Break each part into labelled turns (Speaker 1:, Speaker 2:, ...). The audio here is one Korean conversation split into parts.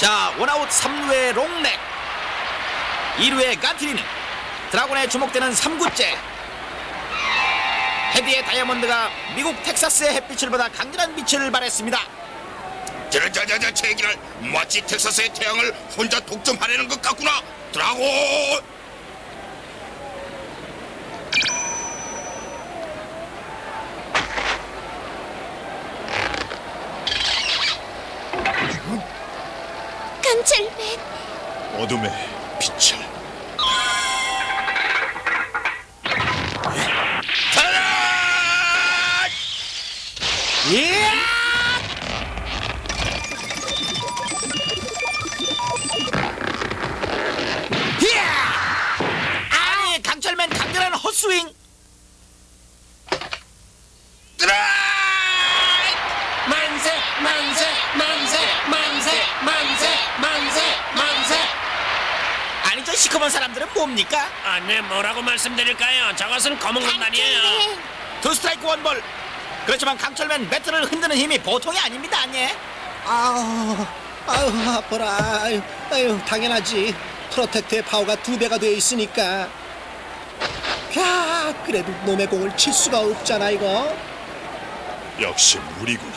Speaker 1: 자, 원아웃 3루의 롱넥, 2루의 간티리는 드라곤에 주목되는 3구째. 헤디의 다이아몬드가 미국 텍사스의 햇빛을 받아 강렬한 빛을 발했습니다.
Speaker 2: 자자자자 제기를 마치 텍사스의 태양을 혼자 독점하려는 것 같구나. 드라곤.
Speaker 3: 강철맨,
Speaker 4: 어둠의 빛을.
Speaker 2: 타라!
Speaker 1: 예! 아니, 강철맨 강렬한 헛스윙.
Speaker 5: 만세 만세 만세 만세 만세 만세 만세.
Speaker 1: 아니, 저 시커먼 사람들은 뭡니까?
Speaker 5: 네, 뭐라고 말씀드릴까요? 저것은 검은 군단이에요.
Speaker 3: 강철맨.
Speaker 1: 두 스트라이크 원볼. 그렇지만 강철맨 배트를 흔드는 힘이 보통이 아닙니다. 아니?
Speaker 6: 아유, 아파라. 아유, 당연하지. 프로텍트의 파워가 2배가 돼 있으니까. 야, 그래도 놈의 공을 칠 수가 없잖아, 이거.
Speaker 4: 역시 무리구나.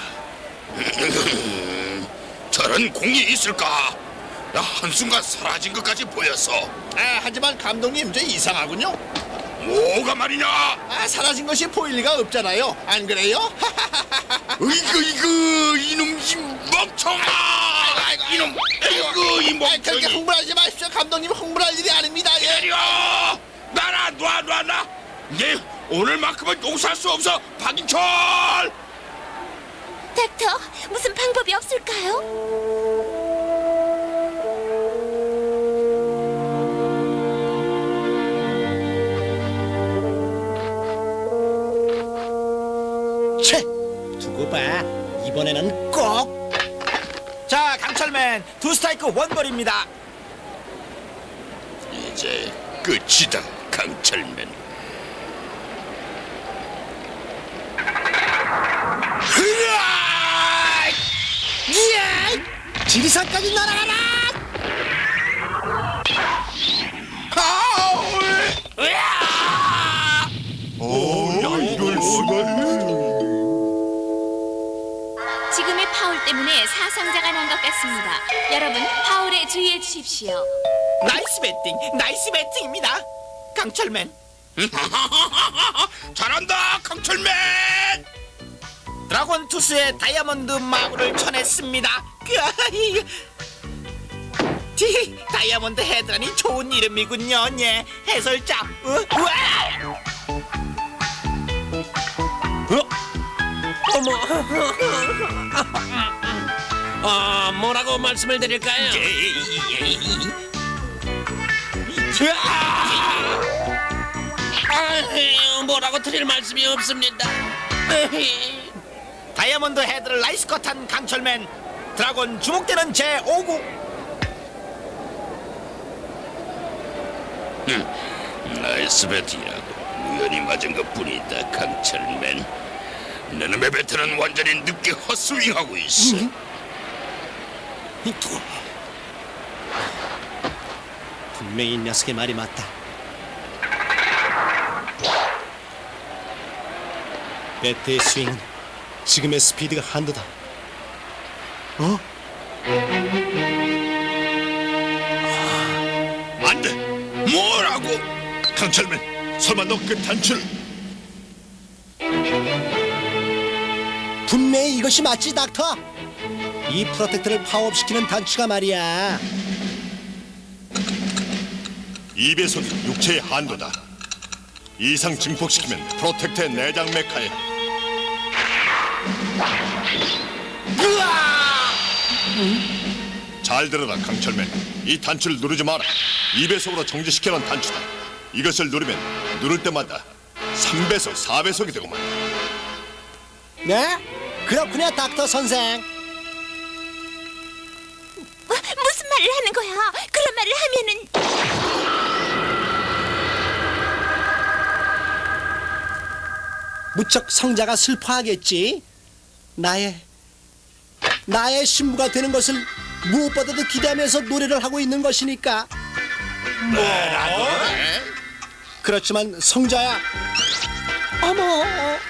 Speaker 2: 저런 공이 있을까? 나 한순간 사라진 것까지 보였어.
Speaker 7: 하지만 감독님 저 이상하군요.
Speaker 2: 뭐가 말이냐?
Speaker 7: 사라진 것이 보일 리가 없잖아요. 안 그래요?
Speaker 2: 이거 이놈 이 멍청아! 이놈 이거 이
Speaker 7: 그렇게
Speaker 2: 멍청이.
Speaker 7: 흥분하지 마십시오. 감독님 흥분할 일이 아닙니다. 예.
Speaker 2: 때려! 나라 놔. 네 오늘만큼은 용서할 수 없어, 박인철.
Speaker 3: 닥터, 무슨 방법이 없을까요?
Speaker 6: 채! 두고 봐. 이번에는 꼭.
Speaker 1: 자, 강철맨 두 스트라이크 원볼입니다.
Speaker 2: 이제 끝이다, 강철맨. 으아!
Speaker 6: 지리산까지 날아가라!
Speaker 4: 이럴 수가.
Speaker 3: 지금의 파울 때문에 사상자가 난 것 같습니다. 여러분, 파울에 주의해 주십시오.
Speaker 1: 나이스 배팅입니다. 강철맨.
Speaker 2: 잘한다, 강철맨.
Speaker 1: 드라곤 투수의 다이아몬드 마구를 쳐냈습니다. 다이아몬드 헤드라니 좋은 이름이군요. 예, 해설자.
Speaker 5: 뭐라고 말씀을 드릴까요? 뭐라고 드릴 말씀이 없습니다.
Speaker 1: 다이아몬드 헤드를 나이스 컷한 강철맨. 드라곤 주목되는 제5구.
Speaker 2: 나이스 배팅이라고 우연히 맞은 것뿐이다, 강철맨. 너놈의 배트는 완전히 늦게 헛스윙하고 있어.
Speaker 6: 분명히 이 녀석의 말이 맞다. 배트의 스윙은 지금의 스피드가 한도다.
Speaker 2: 안 돼. 뭐라고?
Speaker 4: 강철맨, 설마 너 그 단추를?
Speaker 6: 분명히 이것이 맞지, 닥터? 이 프로텍트를 파워업시키는 단추가 말이야.
Speaker 4: 2배속이 육체의 한도다. 이상 증폭시키면 프로텍트의 내장 메카에. 잘 들어라, 강철맨. 이 단추를 누르지 마라. 2배속으로 정지시켜놓은 단추다. 이것을 누르면 누를 때마다 3배속, 4배속이 되고 말이야.
Speaker 6: 네? 그렇군요, 닥터 선생.
Speaker 3: 무슨 말을 하는 거야? 그런 말을 하면은
Speaker 6: 무척 성자가 슬퍼하겠지. 나의 신부가 되는 것을 무엇보다도 기대하면서 노래를 하고 있는 것이니까. 그렇지만 성자야, 어머,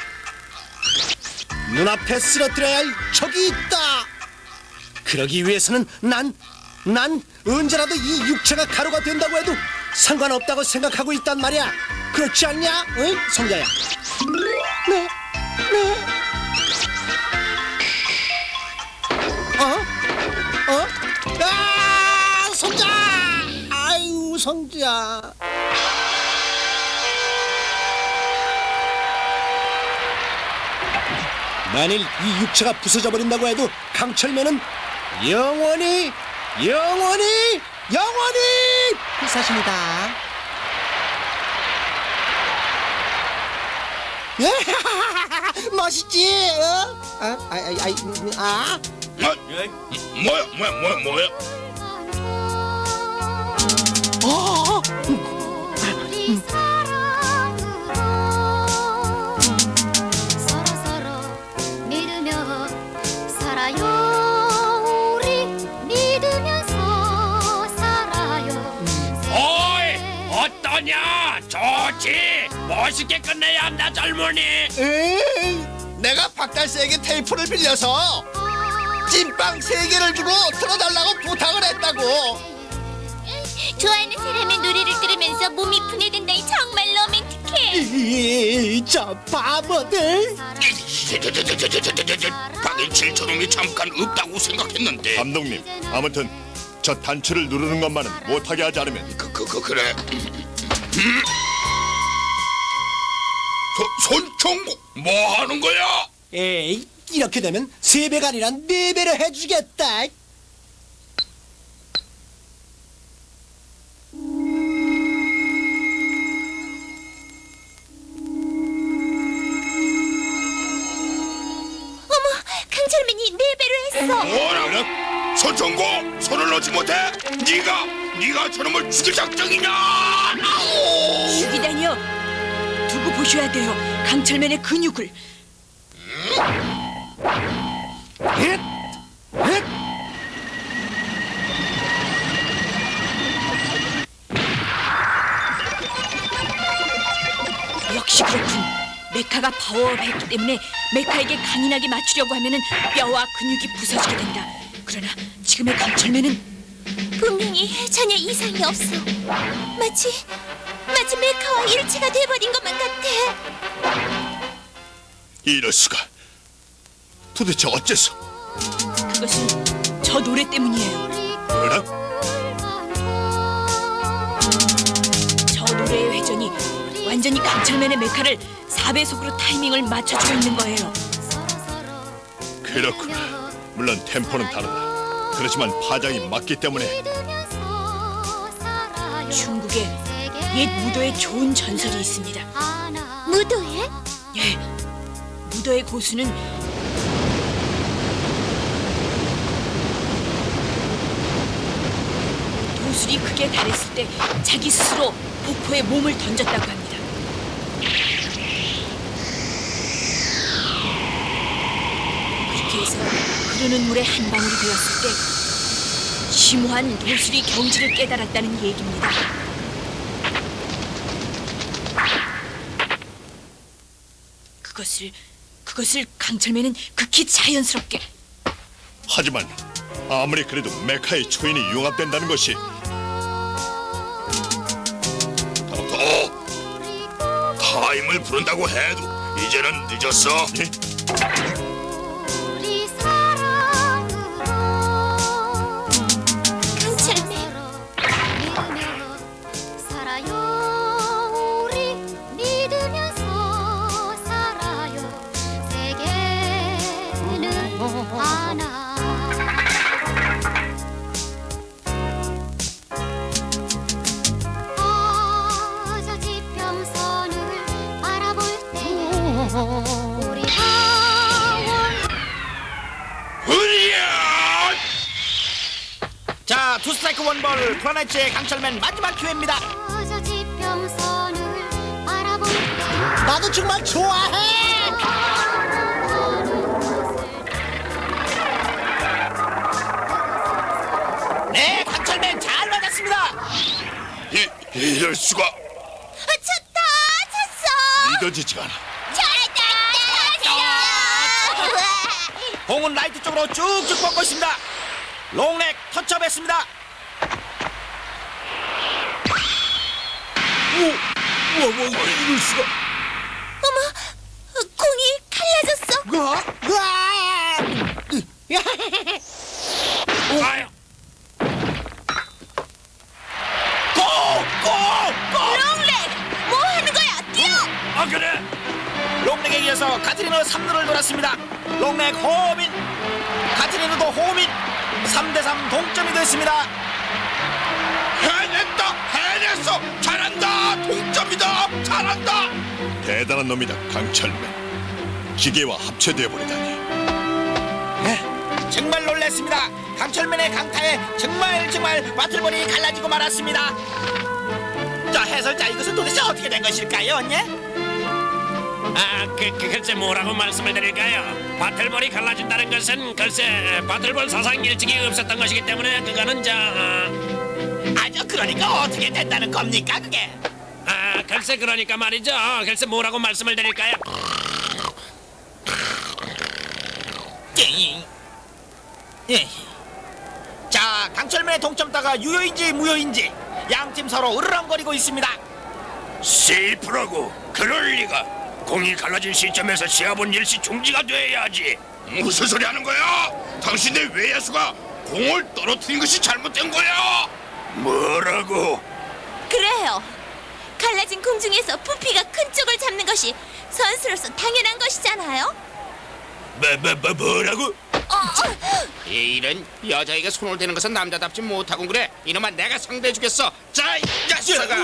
Speaker 6: 눈앞에 쓰러뜨려야 할 적이 있다. 그러기 위해서는 난 언제라도 이 육체가 가루가 된다고 해도 상관없다고 생각하고 있단 말이야. 그렇지 않냐, 응, 성자야? 네. 아, 성자! 아유, 성자. 만일 이 육체가 부서져 버린다고 해도 강철맨은 영원히 불사십니다. 멋있지?
Speaker 2: 뭐야?
Speaker 8: 우리 사랑으로 서로서로 믿으며 살아요. 우리 믿으면서 살아요.
Speaker 5: 어이, 어떠냐? 좋지. 멋있게 끝내야 한다, 젊은이.
Speaker 7: 에이, 내가 박달새에게 테이프를 빌려서 찐빵 3개를 주고 틀어달라고 부탁을 했다고.
Speaker 3: 좋아하는 사람의 노래를 들으면서 몸이 분해된다니 정말 로맨틱해.
Speaker 6: 저 바보들.
Speaker 2: 박인칠 저놈이 잠깐 없다고 생각했는데.
Speaker 4: 감독님, 아무튼 저 단추를 누르는 것만은 못하게 하지 않으면
Speaker 2: 그래. 손총구 뭐 하는 거야?
Speaker 6: 에이, 이렇게 되면 3배가 아니라 4배로 해주겠다.
Speaker 3: 강철맨이 4배로 했어.
Speaker 2: 뭐라고? 손총구 손을 놓지 못해? 네가 저놈을 죽일 작정이냐?
Speaker 9: 죽이다니요. 두고 보셔야 돼요. 강철맨의 근육을. 역시 그렇군. 메카가 파워업했기 때문에 메카에게 강인하게 맞추려고 하면은 뼈와 근육이 부서지게 된다. 그러나 지금의 강철맨은
Speaker 3: 분명히 전혀 이상이 없어. 마치 메카와 일체가 돼버린 것만 같아.
Speaker 4: 이럴 수가. 도대체 어째서?
Speaker 9: 그것은 저 노래 때문이에요.
Speaker 4: 뭐라?
Speaker 9: 저 노래의 회전이 완전히 강철맨의 메카를 4배속으로 타이밍을 맞춰주고 있는 거예요.
Speaker 4: 그렇구나. 물론 템포는 다르다. 그렇지만 파장이 맞기 때문에.
Speaker 9: 중국에 옛 무도의 좋은 전설이 있습니다.
Speaker 3: 무도회?
Speaker 9: 예, 무도의 고수는 도술이 극에 달했을 때 자기 스스로 폭포에 몸을 던졌다고 합니다. 그렇게 해서 흐르는 물에 한 방울이 되었을 때 심오한 도술이 경지를 깨달았다는 얘기입니다. 그것을 강철맨은 극히 자연스럽게.
Speaker 4: 하지만 아무리 그래도 메카의 초인이 융합된다는 것이
Speaker 2: 더 타임을 부른다고 해도 이제는 늦었어.
Speaker 4: 예?
Speaker 8: 우리 사랑으로
Speaker 3: 강철맨.
Speaker 8: 믿으며 살아요. 우리 믿으면서 살아요. 세계는 하나. 저 지평선을 바라볼 때 우리
Speaker 2: 으리야!
Speaker 1: 자, 투 스트라이크 원볼 플라넷의 강철맨 마지막 기회입니다.
Speaker 8: 저 지평선을 바라볼 때
Speaker 6: 나도 정말 좋아해.
Speaker 1: 강철맨 잘 맞았습니다.
Speaker 2: 이럴 수가.
Speaker 8: 쳤다 쳤어.
Speaker 4: 믿어지지가 않아.
Speaker 1: 공은 라이트 쪽으로 쭉쭉 뻗고 있습니다. 롱넥 터치업했습니다.
Speaker 6: 이럴 수가.
Speaker 8: 어머, 공이 갈라졌어.
Speaker 5: 아유,
Speaker 8: 롱렉, 뭐 하는 거야? 뛰어!
Speaker 5: 아 그래.
Speaker 1: 롱넥에 이어서 카트리노 3루를 돌았습니다. 롱넥 호민, 카트리노도 호민. 3대3 동점이 됐습니다.
Speaker 2: 해냈어. 잘한다. 동점이다. 잘한다.
Speaker 4: 대단한 놈이다, 강철맨. 기계와 합체되어 버리다니.
Speaker 1: 정말 놀랐습니다. 강철맨의 강타에 정말 바틀볼이 갈라지고 말았습니다. 자, 해설자, 이것은 도대체 어떻게 된 것일까요, 언니?
Speaker 5: 글쎄 뭐라고 말씀을 드릴까요? 바틀볼이 갈라진다는 것은 글쎄 바틀볼 사상 일찍이 없었던 것이기 때문에 그거는
Speaker 1: 아저 그러니까 어떻게 된다는 겁니까, 그게?
Speaker 5: 글쎄 그러니까 말이죠. 글쎄 뭐라고 말씀을 드릴까요?
Speaker 1: 예. 자, 강철맨의 동점타가 유효인지 무효인지 양팀 서로 으르렁거리고 있습니다.
Speaker 2: 세이프라고. 그럴 리가. 공이 갈라진 시점에서 시합은 일시 중지가 돼야지. 무슨 소리 하는 거야? 당신의 외야수가 공을 떨어뜨린 것이 잘못된 거야. 뭐라고?
Speaker 8: 그래요. 갈라진 공 중에서 부피가 큰 쪽을 잡는 것이 선수로서 당연한 것이잖아요.
Speaker 2: 뭐라고?
Speaker 7: 이런 여자에게 손을 대는 것은 남자답지 못하고 그래. 이놈아 내가 상대해주겠어. 자, 이 자식아.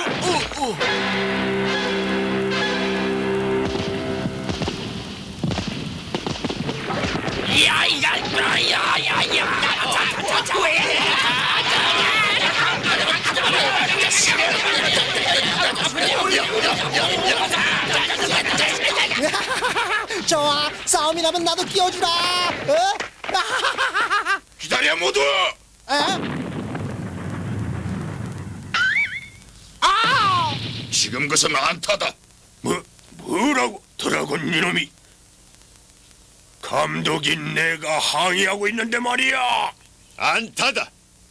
Speaker 6: 좋아, 싸움이 나면 나도 끼워주라.
Speaker 2: 기다려 모두. 지금 것은 안타다. 뭐라고? 드라곤 이놈이. 감독이 내가 항의하고 있는데 말이야.
Speaker 4: 안타다.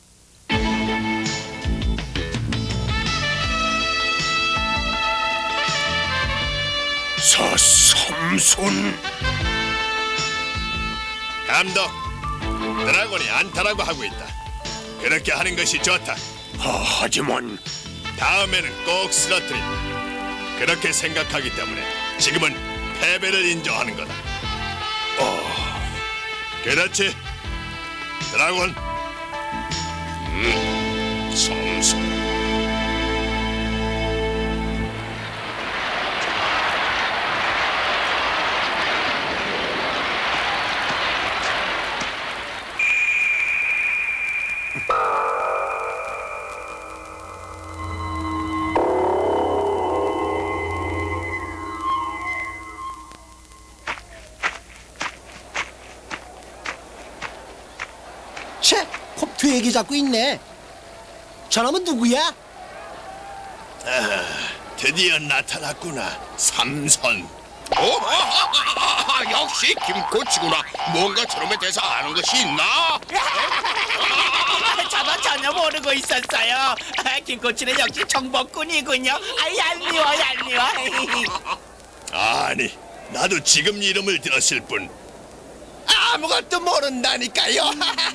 Speaker 2: 삼손.
Speaker 4: 감독, 드라곤이 안타라고 하고 있다. 그렇게 하는 것이 좋다.
Speaker 2: 하지만
Speaker 4: 다음에는 꼭 쓰러뜨린다. 그렇게 생각하기 때문에 지금은 패배를 인정하는 거다. 그렇지, 드라곤.
Speaker 2: 삼손.
Speaker 6: 채, 컵 얘기 잡고 있네. 저놈은 누구야?
Speaker 4: 드디어 나타났구나, 삼선.
Speaker 2: 역시 김코치구나. 뭔가 저놈에 대해서 아는 것이 있나?
Speaker 1: 저도 전혀 모르고 있었어요. 김코치는 역시 정복꾼이군요. 얄미워.
Speaker 4: 아니, 나도 지금 이름을 들었을 뿐.
Speaker 7: 아무것도 모른다니까요.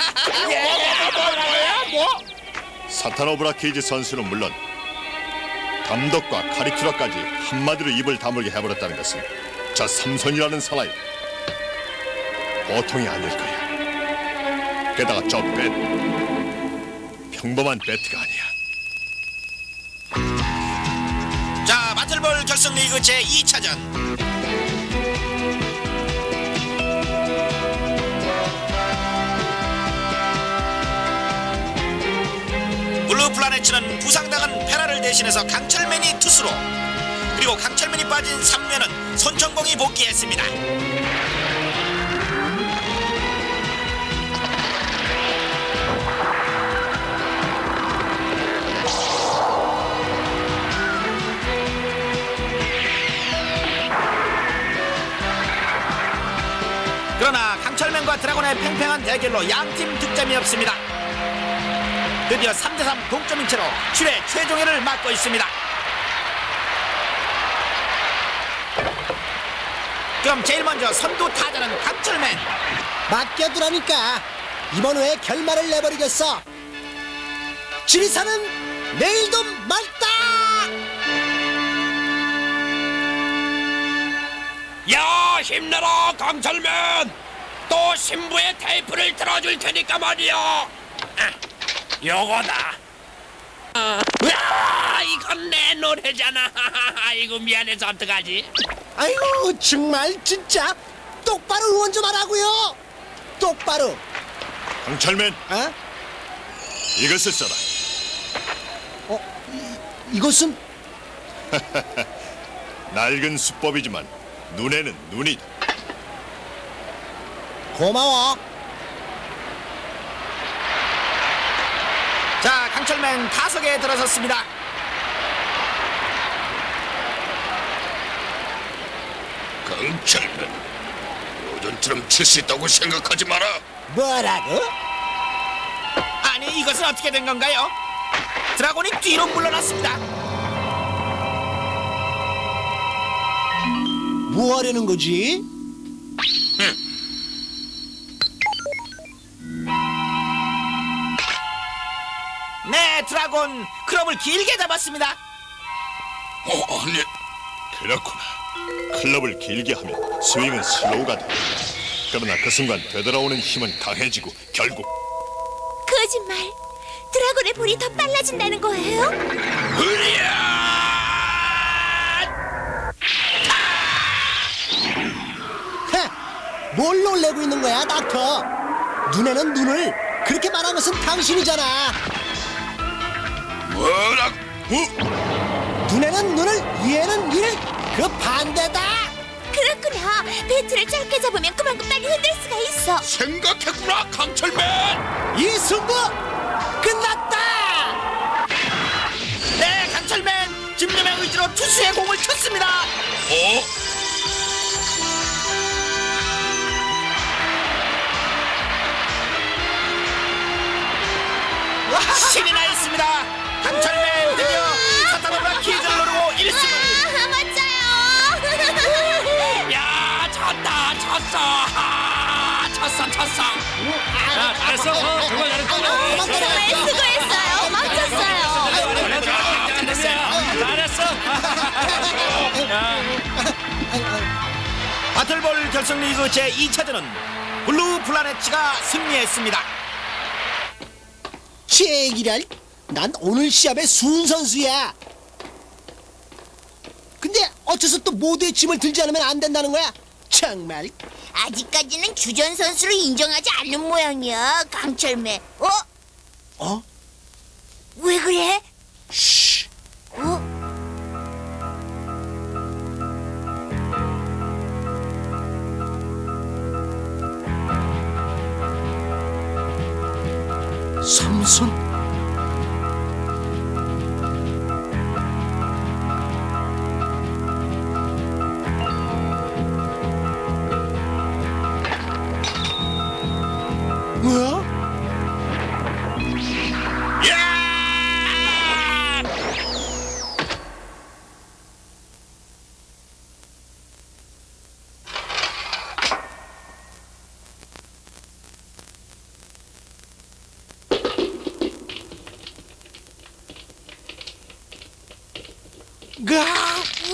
Speaker 4: 사타노브라 케이지 선수는 물론 감독과 카리큐라까지 한마디로 입을 다물게 해버렸다는 것은 저 삼손이라는 사나이 보통이 아닐 거야. 게다가 저 배트, 평범한 배트가 아니야.
Speaker 1: 자, 바틀볼 결승 리그 제 2차전. 블루 플라넷츠는 부상당한 페라를 대신해서 강철맨이 투수로, 그리고 강철맨이 빠진 3루에는 손천공이 복귀했습니다. 동안의 팽팽한 대결로 양팀 득점이 없습니다. 드디어 3대3 동점인 채로 7회 최종회를 맞고 있습니다. 그럼 제일 먼저 선두 타자는 강철맨.
Speaker 6: 맡겨두라니까 이번 회에 결말을 내버리겠어. 지리산은 내일도 맑다.
Speaker 5: 야, 힘내라 강철맨. 또 신부의 테이프를 들어줄 테니까 말이야. 요거다. 야, 이건 내 노래잖아. 아이고 미안해서 어떡하지?
Speaker 6: 아이고 정말 진짜 똑바로 응원 좀 하라고요. 똑바로.
Speaker 4: 강철맨,
Speaker 6: 어?
Speaker 4: 이것을 써라.
Speaker 6: 이것은
Speaker 4: 낡은 수법이지만 눈에는 눈이다.
Speaker 6: 고마워.
Speaker 1: 자, 강철맨 타석에 들어섰습니다.
Speaker 2: 강철맨, 요전처럼 칠 수 있다고 생각하지 마라.
Speaker 6: 뭐라고?
Speaker 1: 아니, 이것은 어떻게 된 건가요? 드라곤이 뒤로 물러났습니다.
Speaker 6: 뭐 하려는 거지?
Speaker 1: 네, 드라곤 클럽을 길게 잡았습니다.
Speaker 2: 아니,
Speaker 4: 그렇구나. 클럽을 길게 하면 스윙은 슬로우가 돼. 그러나 그 순간 되돌아오는 힘은 강해지고 결국
Speaker 8: 거짓말. 드라곤의 볼이 더 빨라진다는 거예요?
Speaker 6: 헤, 뭘 놀래고 있는 거야, 닥터? 눈에는 눈을 그렇게 말한 것은 당신이잖아.
Speaker 2: 뭐라고?
Speaker 6: 눈에는 눈을, 이에는 이를 그 반대다.
Speaker 8: 그렇구나. 배트를 짧게 잡으면 그만큼 빨리 흔들 수가 있어.
Speaker 2: 생각했구나, 강철맨.
Speaker 6: 이 승부 끝났다.
Speaker 1: 네, 강철맨 집념의 의지로 투수의 공을 쳤습니다. 신이 나 있습니다. 강철맨 드디어 사타노브라 퀴즈를 노리고 1승을.
Speaker 8: 아, 맞아요.
Speaker 5: 야, 쳤다, 쳤어. 쳤어. 야, 잘했어. 정말 잘했어.
Speaker 8: 정말 수고했어요. 멋졌어요.
Speaker 5: 잘했어.
Speaker 1: 바틀볼 결승리그 제2차전은 블루 플라넷츠가 승리했습니다.
Speaker 6: 제기랄, 난 오늘 시합의 순선수야. 근데 어째서 또 모두의 짐을 들지 않으면 안 된다는 거야? 정말.
Speaker 8: 아직까지는 주전 선수를 인정하지 않는 모양이야, 강철매.
Speaker 6: 어?
Speaker 8: 왜 그래?
Speaker 6: 쉬. 삼손. 뭐야? 가!